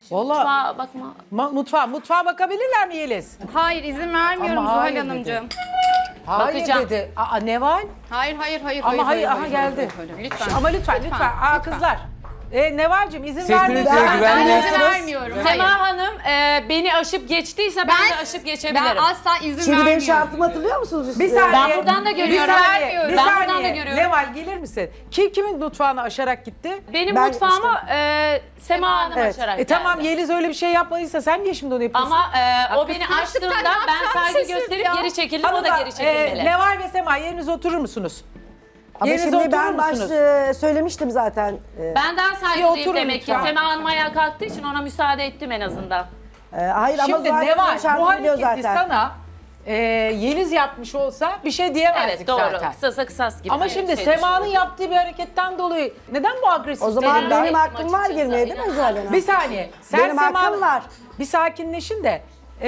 Vallahi bakma. mutfağa bakabilirler mi Yeliz? Hayır izin vermiyorum Ama Zuhal hayır Hanımcığım. Hayır Bakacağım. dedi. Neval? Hayır. Ama hayır, aha geldi. Lütfen. Ama lütfen. Kızlar. Neval'cim izin Sesinize vermeyin. Ben güvenmiyorsunuz. izin vermiyorum. Sema Hayır. Hanım beni aşıp geçtiyse ben de aşıp geçebilirim. Ben asla izin Şimdi benim vermiyorum. şartımı hatırlıyor musunuz? Bir saniye. Ben buradan da görüyorum. Bir Ben saniye. buradan da görüyorum. Neval gelir misin? Kimin mutfağını aşarak gitti? Benim Ben mutfağımı Sema Hanım Evet. açarak Tamam geldi. Yeliz öyle bir şey yapmadıysa sen niye şimdi onu yapıyorsun? Ama o beni kıskançlıktan açtığında ne ben yapacağımı saygı şaşırdım gösterip ya. geri çekildim. O da Hanımlar, geri çekilmeli. Neval ve Sema yerinize oturur musunuz? Ama Yerinize şimdi oturur ben musunuz? söylemiştim zaten. Benden Bir saygılıyım oturun demek ki. lütfen. Sema Hanım ayağa kalktığı için ona müsaade ettim en azından. Hayır ama Şimdi zaten Neval bu şartımı biliyor hareketi zaten. sana Yeliz yapmış olsa bir şey diyemezdik Evet doğru. zaten. Kısasa kısas gibi. Ama bir şimdi şey Sema'nın düşünüyorum. yaptığı bir hareketten dolayı neden bu agresif O zaman tepkiler? benim hakkım var açıkçası, girmeye değil mi inan. Zuhal Hanım? Bir saniye. Sen Benim hakkım var. Bir sakinleşin de.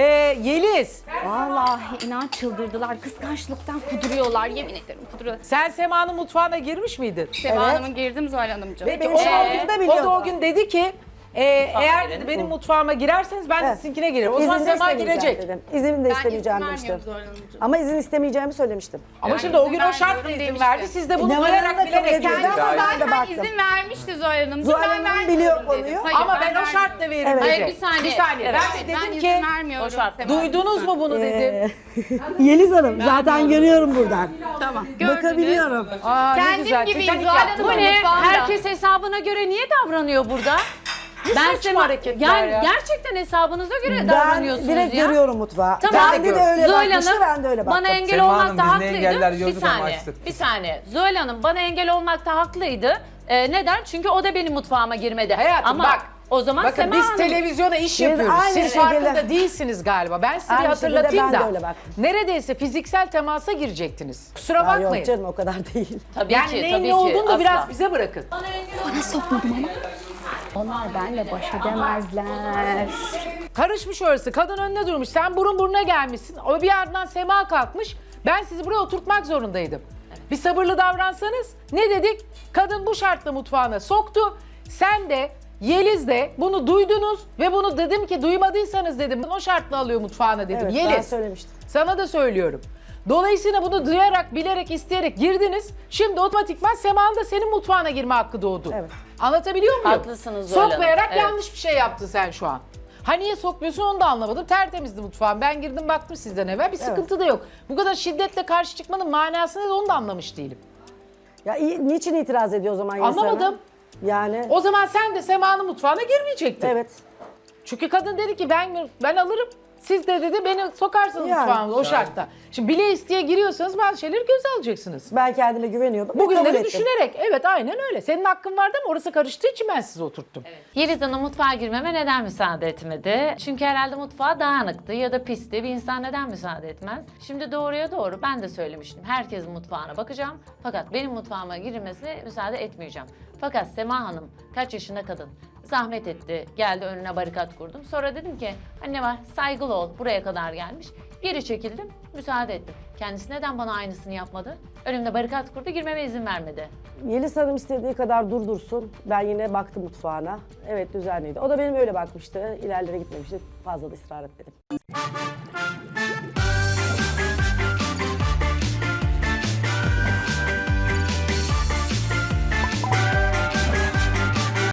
Yeliz, Vallahi inan çıldırdılar. Kıskançlıktan kuduruyorlar. Yemin ederim kuduruyorlar. sen Sema'nın mutfağına girmiş miydin? Sema Evet. Hanım'ın girdim Zuhal Hanımcığım. Peki Benim o, şartımı da o biliyordu. da o gün dedi ki eğer girelim. benim mutfağıma girerseniz ben de Evet. sizinkine girerim. O zaman İzin de Sema istemeyeceğim girecek. dedim. İzin de Ben izin istemeyeceğim vermiyorum demiştim. Zuhal Hanımcığım. Ama izin istemeyeceğimi söylemiştim. Ama Ben şimdi o izin gün o şartla vermiyorum izin demişti. verdi. Siz de bunu Neval duyarak Hanım da bilerek kabul ediyor. girdiniz. Ben de Zaten baktım. izin vermişti Zuhal Hanım. Zuhal Ben Hanım vermiyorum biliyor dedi. konuyu. Hayır, Ama ben o vermiyorum. şartla veririm Evet. dedi. Hayır, bir saniye. Bir saniye. Evet. Ben de Ben dedim izin ki vermiyorum. o şartla. Sema duydunuz mu bunu dedim. Yeliz Hanım zaten görüyorum buradan. Tamam. Gördünüz. Bakabiliyorum. Aa, ne Kendim güzel. gibiyim Titanik Zuhal yaptım. Hanım. Bu ne? Mutfağımda. Herkes hesabına göre niye davranıyor burada? saçma hareketler yani ya. gerçekten hesabınıza göre Ben davranıyorsunuz direkt ya. görüyorum mutfağı. Tamam. Ben de öyle Zuhal bakmıştı, Hanım ben de öyle baktım. bana engel Sema Hanım, olmakta biz ne haklıydı. engeller Bir gördük ama saniye, açtık. bir saniye. Zuhal Hanım bana engel olmakta haklıydı. Neden? Çünkü o da benim mutfağıma girmedi. Hayatım Ama bak. o zaman Bakın Sema biz Hanım... televizyona iş Biz yapıyoruz. aynı Siz şekilde- farkında değilsiniz galiba. Ben size bir Aynı hatırlatayım şekilde ben da. de öyle baktım. Neredeyse fiziksel temasa girecektiniz. Kusura Ya bakmayın. yok canım o kadar değil. Tabii Yani ki, neyin tabii ne ki. olduğunu da asla. biraz bize bırakın. Onlar benimle baş edemezler. Karışmış orası. Kadın önüne durmuş. Sen burun buruna gelmişsin. O bir yerden Sema kalkmış. Ben sizi buraya oturtmak zorundaydım. Bir sabırlı davransanız. Ne dedik? Kadın bu şartla mutfağına soktu. Sen de Yeliz de bunu duydunuz ve bunu dedim ki duymadıysanız dedim o şartla alıyor mutfağına dedim. Evet ben Yeliz. söylemiştim. Sana da söylüyorum. Dolayısıyla bunu duyarak, bilerek, isteyerek girdiniz. Şimdi otomatikman Sema'nın da senin mutfağına girme hakkı doğdu. Evet. Anlatabiliyor muyum? Haklısınız Zuhal Hanım, Sokmayarak evet. yanlış bir şey yaptın sen şu an. Ha niye sokmuyorsun onu da anlamadım. Tertemizdi mutfağım. Ben girdim baktım sizden evvel. Bir sıkıntı da yok. Bu kadar şiddetle karşı çıkmanın manasını da onu da anlamış değilim. Ya niçin itiraz ediyor o zaman Yeliz Hanım? Anlamadım. Yani O zaman sen de Sema'nın mutfağına girmeyecektin. evet. Çünkü kadın dedi ki ben alırım. Siz de dedi beni sokarsınız Yani. mutfağımıza o şartta. Şimdi bile isteye giriyorsanız bazı şeyleri göze alacaksınız. Ben kendime güveniyordum. ve kabul Bugünleri ettim. düşünerek evet aynen öyle. Senin hakkın vardı ama orası karıştığı için ben sizi oturttum. Yeliz Hanım mutfağa girmeme neden müsaade etmedi? Çünkü herhalde mutfağı dağınıktı ya da pisti. Bir insan neden müsaade etmez? Şimdi doğruya doğru ben de söylemiştim. Herkesin mutfağına bakacağım. Fakat benim mutfağıma girilmesine müsaade etmeyeceğim. Fakat Sema Hanım kaç yaşında kadın. Zahmet etti. Geldi önüne barikat kurdum. Sonra dedim ki anne var saygılı ol buraya kadar gelmiş. Geri çekildim müsaade ettim. Kendisi neden bana aynısını yapmadı? Önümde barikat kurdu girmeme izin vermedi. Yeliz Hanım istediği kadar durdursun. Ben yine baktım mutfağına. Evet düzenliydi. O da benim öyle bakmıştı. İlerlere gitmemişti. Fazla da ısrar etmedim.